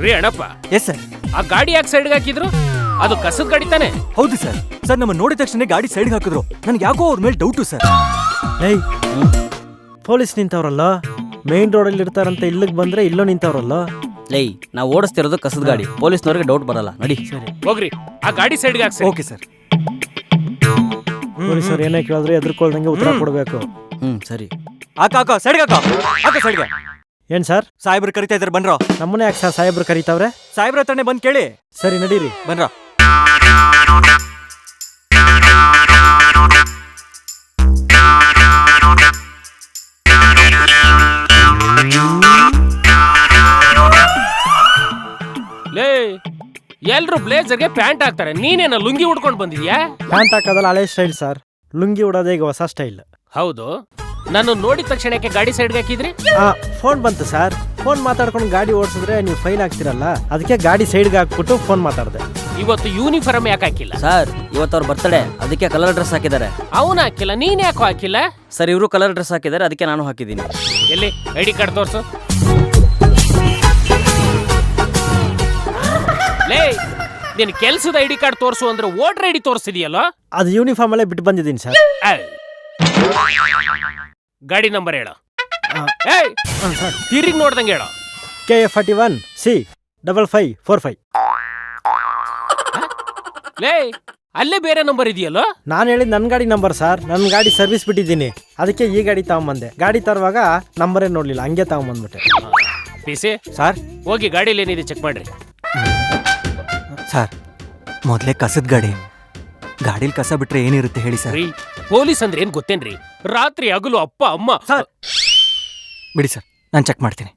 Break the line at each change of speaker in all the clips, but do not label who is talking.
ರೀ Annappa,
yes sir.
ಆ ಗಾಡಿ ಯಾಕೆ ಸೈಡ್ಗೆ ಹಾಕಿದ್ರು? ಅದು ಕಸದ ಗಾಡಿ ತಾನೆ?
ಹೌದು ಸರ್. ಸರ್ ನಮ್ಮ ನೋಡಿದ ತಕ್ಷಣ ಗಾಡಿ ಸೈಡ್ಗೆ ಹಾಕಿದ್ರು. ನನ್ಗೆ ಯಾಕೋ ಅವ್ರ ಮೇಲೆ ಡೌಟು ಸರ್.
ಏಯ್, ಪೊಲೀಸ್ ನಿಂತವ್ರಲ್ಲ, ಮೇನ್ ರೋಡಲ್ಲಿ ಇರ್ತಾರಂತ ಇಲ್ಲಿಗೆ ಬಂದ್ರೆ ಇಲ್ಲೋ ನಿಂತವ್ರಲ್ಲ.
ಲೈ, ನಾವು ಓಡಿಸ್ತಿರೋದು ಕಸದ ಗಾಡಿ, ಪೊಲೀಸ್ನವ್ರಿಗೆ ಡೌಟ್ ಬರಲ್ಲ. ನಡಿ.
ಸರಿ,
ಹೋಗ್ರಿ, ಆ ಗಾಡಿ ಸೈಡ್ಗೆ ಹಾಕ್ಸಿ.
Okay sir.
ಪೊಲೀಸರು ಏನೇ ಕೇಳಿದ್ರೆ ಎದ್ರಕೊಳ್ದಂಗೆ ಉತ್ತರ ಕೊಡ್ಬೇಕು.
ಸರಿ.
ಹಾಕ ಸೈಡ್ಗೆ ಹಾಕ ಸೈಡ್ಗೆ.
ಏನ್ ಸರ್?
ಸಾಹೇಬ್ರು ಕರಿತಾ ಇದಾರೆ, ಬನ್ರೋ.
ನಮ್ಮನೆ ಯಾಕೆ ಸರ್ ಸಾಹೇಬ್ರು ಕರೀತಾವ್ರೆ?
ಸಾಹೇಬ್ರ ಹತ್ರನೇ ಬಂದ್ ಕೇಳಿ.
ಸರಿ, ನಡೀರಿ.
ಬನ್ರೋ.
ಲೇ, ಎಲ್ರು ಬ್ಲೇಜರ್ಗೆ ಪ್ಯಾಂಟ್ ಹಾಕ್ತಾರೆ, ನೀನೇನ ಲುಂಗಿ ಉಡ್ಕೊಂಡು ಬಂದಿದ್ಯಾ?
ಪ್ಯಾಂಟ್ ಹಾಕೋದಲ್ಲ ಹಳೆ ಸ್ಟೈಲ್ ಸರ್, ಲುಂಗಿ ಉಡೋದೇ ಈಗ ಹೊಸ ಸ್ಟೈಲ್.
ಹೌದು, ನಾನು ನೋಡಿದ ತಕ್ಷಣಕ್ಕೆ ಗಾಡಿ ಸೈಡ್ಗೆ ಹಾಕಿದ್ರಿ?
ಫೋನ್ ಬಂತು ಸರ್, ಫೋನ್ ಮಾತಾಡ್ಕೊಂಡು ಗಾಡಿ ಓಡಿಸಿದ್ರೆ ನೀವು ಫೈನ್ ಆಗ್ತಿರಲ್ಲ, ಅದಕ್ಕೆ ಗಾಡಿ ಸೈಡ್ಗೆ ಹಾಕ್ಬಿಟ್ಟು ಫೋನ್ ಮಾತಾಡಿದೆ.
ಇವತ್ತು ಯೂನಿಫಾರ್ಮ್ ಯಾಕೆ ಹಾಕಿಲ್ಲ?
ಸರ್, ಇವತ್ತು ಅವ್ರ ಬರ್ತಡೇ, ಅದಕ್ಕೆ ಕಲರ್ ಡ್ರೆಸ್ ಹಾಕಿದ್ದಾರೆ.
ಅವನು ಹಾಕಿಲ್ಲ, ನೀನ್ ಯಾಕೋ ಹಾಕಿಲ್ಲ?
ಸರ್, ಇವರು ಕಲರ್ ಡ್ರೆಸ್ ಹಾಕಿದ್ದಾರೆ, ಅದಕ್ಕೆ ನಾನು ಹಾಕಿದ್ದೀನಿ.
ಎಲ್ಲಿ ಐಡಿ ಕಾರ್ಡ್ ತೋರ್ಸು. ಲೇ, ನೀನ್ ಕೆಲ್ಸದ ಐಡಿ ಕಾರ್ಡ್ ತೋರ್ಸು ಅಂದ್ರೆ ವೋಟರ್ ಐಡಿ ತೋರಿಸ್ತಿದೀಯಲ್ಲ?
ಅದು ಯೂನಿಫಾರ್ಮ್ ಅಲ್ಲೇ ಬಿಟ್ಟು ಬಂದಿದ್ದೀನಿ ಸರ್.
ಗಾಡಿ ನಂಬರ್ ಹೇಳ. ತಿರುಗಿ ನೋಡ್ದಂಗೆ ಹೇಳ.
KF41C5545.
ಲೇ, ಅಲ್ಲೇ ಬೇರೆ ನಂಬರ್ ಇದೆಯಲ್ಲ?
ನಾನು ಹೇಳಿದ್ ನನ್ನ ಗಾಡಿ ನಂಬರ್ ಸರ್, ನನ್ನ ಗಾಡಿ ಸರ್ವಿಸ್ ಬಿಟ್ಟಿದ್ದೀನಿ, ಅದಕ್ಕೆ ಈ ಗಾಡಿ ತಗೊಂಬಂದೆ. ಗಾಡಿ ತರುವಾಗ ನಂಬರೇ ನೋಡ್ಲಿಲ್ಲ, ಹಂಗೆ ತಗೊಂಬಂದ್ಬಿಟ್ಟೆ.
ಪಿಸಿ
ಸರ್,
ಹೋಗಿ ಗಾಡಿಲಿ ಏನಿದೆ ಚೆಕ್ ಮಾಡ್ರಿ.
ಸರ್, ಮೊದಲೇ ಕಸದ ಗಾಡಿ, ಗಾಡಿಲಿ ಕಸ ಬಿಟ್ರೆ ಏನಿರುತ್ತೆ ಹೇಳಿ ಸರ್?
ಪೊಲೀಸ್ ಅಂದ್ರೆ ಏನ್ ಗೊತ್ತೇನ್ರಿ? ರಾತ್ರಿ ಹಗಲು ಅಪ್ಪ ಅಮ್ಮ.
ಸರ್ ಬಿಡಿ ಸರ್, ನಾನು ಚೆಕ್ ಮಾಡ್ತೀನಿ.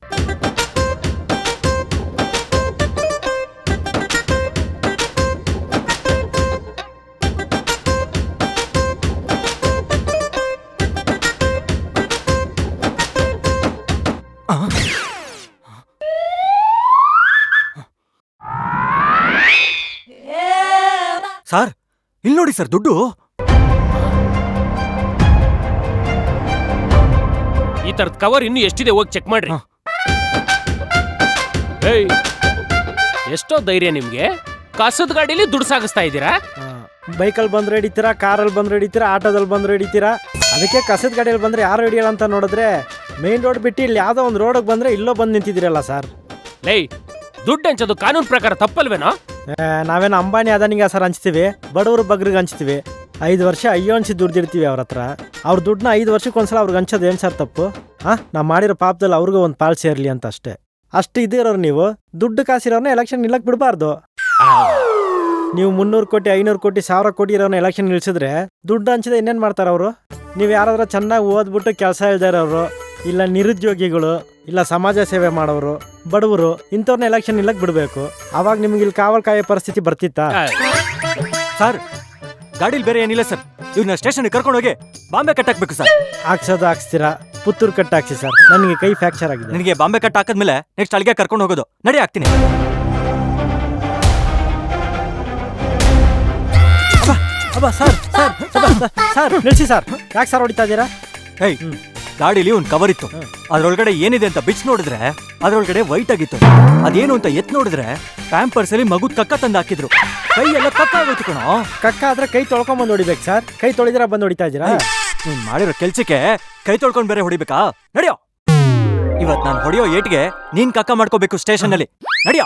ಸರ್, ಇಲ್ಲಿ ನೋಡಿ ಸರ್, ದುಡ್ಡು.
ಈ ತರದ ಕವರ್ ಇನ್ನು ಎಷ್ಟಿದೆ ಹೋಗಿ ಚೆಕ್ ಮಾಡ್ರಿ. ಏಯ್, ಎಷ್ಟೋ ಧೈರ್ಯ ನಿಮ್ಗೆ? ಕಸದ ಗಾಡಿಲಿ ದುಡ್ಡು ಸಾಗಿಸ್ತಾ ಇದ್ದೀರಾ?
ಬೈಕಲ್ಲಿ ಬಂದ್ರೆ ಹಿಡಿತೀರಾ, ಕಾರಲ್ಲಿ ಬಂದ್ರೆ ಹಿಡಿತೀರಾ, ಆಟೋದಲ್ಲಿ ಬಂದ್ರೆ ಹಿಡಿತೀರಾ. ಅದಕ್ಕೆ ಕಸದ ಗಾಡಿಯಲ್ಲಿ ಬಂದ್ರೆ ಯಾರು ಹಿಡಿಯಲ್ಲ ಅಂತ ನೋಡಿದ್ರೆ ಮೇನ್ ರೋಡ್ ಬಿಟ್ಟು ಇಲ್ಲಿ ಯಾವುದೋ ಒಂದು ರೋಡಿಗೆ ಬಂದ್ರೆ ಇಲ್ಲೋ ಬಂದು ನಿಂತಿದ್ದೀರಲ್ಲ ಸರ್.
ಲೇ, ದುಡ್ಡು ಹಂಚೋದು ಕಾನೂನು ಪ್ರಕಾರ ತಪ್ಪಲ್ವೇನೋ?
ನಾವೇನು ಅಂಬಾನಿ ಅದಾನಿಗೆ ಸರ್ ಹಂಚ್ತೀವಿ, ಬಡವರು ಬಗ್ರಿಗೆ ಹಂಚ್ತೀವಿ. 5 ವರ್ಷ ಅಯ್ಯೋ ಅನ್ಸಿ ದುಡ್ದಿರ್ತೀವಿ ಅವ್ರ ಹತ್ರ. ಅವ್ರ ದುಡ್ಡನ್ನ 5 ವರ್ಷಕ್ಕೊಂದ್ಸಲ ಅವ್ರಿಗೆ ಹಂಚೋದು ಏನು ಸರ್ ತಪ್ಪು? ನಾವು ಮಾಡಿರೋ ಪಾಪದಲ್ಲಿ ಅವ್ರಿಗೂ ಒಂದು ಪಾಲ್ ಸೇರ್ಲಿ ಅಂತ ಅಷ್ಟೇ. ಅಷ್ಟು ಇದ್ದಿರೋರು ನೀವು ದುಡ್ಡು ಕಾಸಿರೋರ್ನ ಎಲೆಕ್ಷನ್ ನಿಲ್ಲಕ್ಕೆ ಬಿಡಬಾರ್ದು. ನೀವು 300 ಕೋಟಿ 500 ಕೋಟಿ 1000 ಕೋಟಿ ಇರೋನ ಎಲೆಕ್ಷನ್ ನಿಲ್ಸಿದ್ರೆ ದುಡ್ಡು ಹಂಚಿದ ಇನ್ನೇನು ಮಾಡ್ತಾರೆ ಅವರು? ನೀವು ಯಾರಾದ್ರೂ ಚೆನ್ನಾಗಿ ಓದ್ಬಿಟ್ಟು ಕೆಲಸ ಇಲ್ದೇ ಇರೋರು, ಇಲ್ಲ ನಿರುದ್ಯೋಗಿಗಳು, ಇಲ್ಲ ಸಮಾಜ ಸೇವೆ ಮಾಡೋರು, ಬಡವರು, ಇಂಥವ್ರನ್ನ ಎಲೆಕ್ಷನ್ ನಿಲ್ಲಕ್ಕೆ ಬಿಡಬೇಕು. ಅವಾಗ ನಿಮ್ಗೆ ಇಲ್ಲಿ ಕಾವಲ್ ಕಾಯೋ ಪರಿಸ್ಥಿತಿ ಬರ್ತಿತ್ತಾ?
ಸರ್, ಗಾಡಿಲಿ ಬೇರೆ ಏನಿಲ್ಲ ಸರ್, ಇವ್ರನ್ನ ಸ್ಟೇಷನ್ಗೆ ಕರ್ಕೊಂಡು ಹೋಗಿ ಬಾಂಬೆ ಕಟ್ ಹಾಕ್ಬೇಕು ಸರ್.
ಹಾಕ್ಸಿರಾ, ಪುತ್ತೂರು ಕಟ್ ಹಾಕ್ಸಿ ಸರ್, ನನಗೆ ಕೈ ಫ್ರಾಕ್ಚರ್ ಆಗಿದೆ.
ನಿನಗೆ ಬಾಂಬೆ ಕಟ್ ಹಾಕಿದ್ಮೇಲೆ ನೆಕ್ಸ್ಟ್ ಅಲ್ಲಿಗೆ ಕರ್ಕೊಂಡು ಹೋಗೋದು. ನಡಿ, ಹಾಕ್ತೀನಿ.
ಸರ್ ನಿಲ್ಸಿ ಸರ್, ಯಾಕೆ ಸರ್ ಹೊಡಿತಾ ಇದ್ದೀರಾ?
ಹೇಯ್, ಗಾಡಿಲಿ ಒಂದು ಕವರ್ ಇತ್ತು, ಅದ್ರೊಳಗಡೆ ಏನಿದೆ ಅಂತ ಬಿಚ್ಚಿ ನೋಡಿದ್ರೆ ಅದ್ರೊಳಗಡೆ ವೈಟ್ ಆಗಿತ್ತು. ಅದೇನು ಅಂತ ಎತ್ ನೋಡಿದ್ರೆ ಪ್ಯಾಂಪರ್ಸ್ ಅಲ್ಲಿ ಮಗುದ್ ಕಕ್ಕ ತಂದು ಹಾಕಿದ್ರು. ಕೈ ಎಲ್ಲ ಕಕ್ಕ ಆಗೋಯ್ತು ಕಣೋ.
ಕಕ್ಕ ಆದ್ರೆ ಕೈ ತೊಳ್ಕೊಂಬಂದು ಹೊಡಿಬೇಕು ಸರ್, ಕೈ ತೊಳಿದ್ರೆ ಬಂದು ಹೊಡಿತಾ ಇದ್ದೀರಾ?
ನೀನ್ ಮಾಡಿರೋ ಕೆಲ್ಸಕ್ಕೆ ಕೈ ತೊಳ್ಕೊಂಡ್ ಬೇರೆ ಹೊಡಿಬೇಕಾ? ನಡಿಯೋ, ಇವತ್ ನಾನು ಹೊಡಿಯೋ ಏಟ್ಗೆ ನೀನ್ ಕಕ್ಕ ಮಾಡ್ಕೋಬೇಕು ಸ್ಟೇಷನ್ ಅಲ್ಲಿ. ನಡಿಯೋ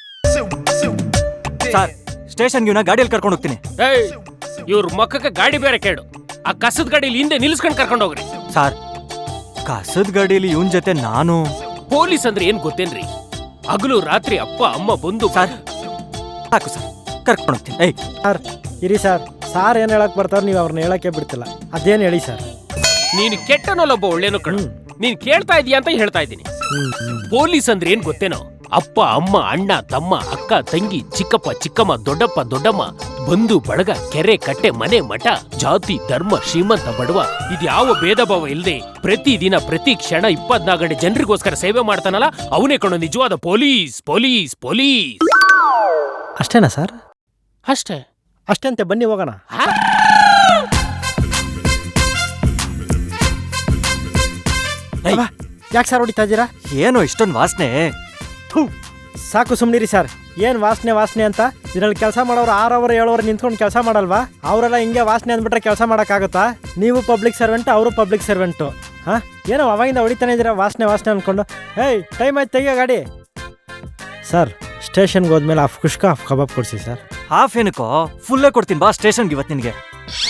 ಸರ್, ಸ್ಟೇಷನ್ಗೆ ಇವನ ಗಾಡಿಯಲ್ಲಿ ಕರ್ಕೊಂಡು ಹೋಗ್ತೀನಿ.
ಇವ್ರ ಮಕ್ಕಕ್ಕೆ ಗಾಡಿ ಬೇರೆ ಕೇಳು. ಆ ಕಸದ ಗಾಡಿಲಿ ಹಿಂದೆ ನಿಲ್ಸ್ಕೊಂಡು ಕರ್ಕೊಂಡು ಹೋಗ್ರಿ.
ಸರ್, ಕಸದ ಗಾಡಿಯಲ್ಲಿ ಇವನ್ ಜೊತೆ ನಾನು?
ಪೊಲೀಸ್ ಅಂದ್ರೆ ಏನ್ ಗೊತ್ತೇನ್ರಿ? ಹಗಲು ರಾತ್ರಿ ಅಪ್ಪ ಅಮ್ಮ ಬಂದು.
ಸರ್ ಸಾಕು ಸರ್, ಕರ್ಕೊಂಡು ಹೋಗ್ತೀನಿ.
ಸರ್ ಇರಿ ಸರ್, ಸಾರ್ ಏನ್ ಹೇಳಕ್ ಬರ್ತಾರ, ನೀವು ಅವ್ರನ್ನ ಹೇಳಕ್ಕೆ ಬಿಡ್ತಿಲ್ಲ. ಅದೇನ್ ಹೇಳಿ ಸರ್?
ನೀನು ಕೆಟ್ಟನಲ್ಲೊಬ್ಬ ಒಳ್ಳೇನು ಕಣು. ನೀನ್ ಕೇಳ್ತಾ ಇದೀಯ ಅಂತ ಹೇಳ್ತಾ ಇದ್ದೀನಿ. ಪೊಲೀಸ್ ಅಂದ್ರೆ ಏನ್ ಗೊತ್ತೇನೋ? ಅಪ್ಪ ಅಮ್ಮ ಅಣ್ಣ ತಮ್ಮ ಅಕ್ಕ ತಂಗಿ ಚಿಕ್ಕಪ್ಪ ಚಿಕ್ಕಮ್ಮ ದೊಡ್ಡಪ್ಪ ದೊಡ್ಡಮ್ಮ ಬಂಧು ಬಳಗ ಕೆರೆ ಕಟ್ಟೆ ಮನೆ ಮಠ ಜಾತಿ ಧರ್ಮ ಶ್ರೀಮಂತ ಬಡವ ಇದ್ಯಾವ ಭೇದ ಭಾವ ಇಲ್ಲದೆ ಪ್ರತಿ ದಿನ ಪ್ರತಿ ಕ್ಷಣ 24 ಗಂಟೆ ಜನರಿಗೋಸ್ಕರ ಸೇವೆ ಮಾಡ್ತಾನಲ್ಲ, ಅವನೇ ಕಣೋ ನಿಜವಾದ ಪೊಲೀಸ್. ಪೊಲೀಸ್ ಪೊಲೀಸ್
ಅಷ್ಟೇನಾ ಸರ್? ಅಷ್ಟೇ ಅಂತೆ, ಬನ್ನಿ ಹೋಗೋಣ.
ಯಾಕೆ
ಸರ್ ಹೊಡಿತಾ ಇದ್ದೀರಾ?
ಏನೋ ಇಷ್ಟೊಂದು ವಾಸನೆ?
ಸಾಕು ಸುಮ್ಮನಿರಿ ಸರ್. ಏನು ವಾಸನೆ ಅಂತ ಇದರಲ್ಲಿ ಕೆಲಸ ಮಾಡೋರು 6 ಅವರ್ 7 ಅವರ್ ನಿಂತ್ಕೊಂಡು ಕೆಲಸ ಮಾಡಲ್ವಾ? ಅವರೆಲ್ಲ ಹಿಂಗೆ ವಾಸನೆ ಅಂದ್ಬಿಟ್ರೆ ಕೆಲಸ ಮಾಡೋಕ್ಕಾಗುತ್ತಾ? ನೀವು ಪಬ್ಲಿಕ್ ಸರ್ವೆಂಟು, ಅವರು ಪಬ್ಲಿಕ್ ಸರ್ವೆಂಟು. ಹಾಂ, ಏನೋ ಅವಾಗಿಂದ ಹೊಡಿತಾನೆ ಇದ್ದೀರಾ ವಾಸನೆ ಅಂದ್ಕೊಂಡು. ಹೇಯ್, ಟೈಮ್ ಆಯ್ತು, ತೆಗಿಯೋ ಗಾಡಿ. ಸರ್, ಸ್ಟೇಷನ್ಗೆ ಹೋದ್ಮೇಲೆ ಹಾಫ್ ಕುಷ್ಕ ಹಾಫ್ ಕಬಾಬ್ ಕೊಡಿಸಿ ಸರ್.
ಹಾಫ್ ಏನಕ್ಕೋ, ಫುಲ್ಲೇ ಕೊಡ್ತೀನಿ ಬಾ ಸ್ಟೇಷನ್ಗೆ ಇವತ್ತು ನಿನಗೆ.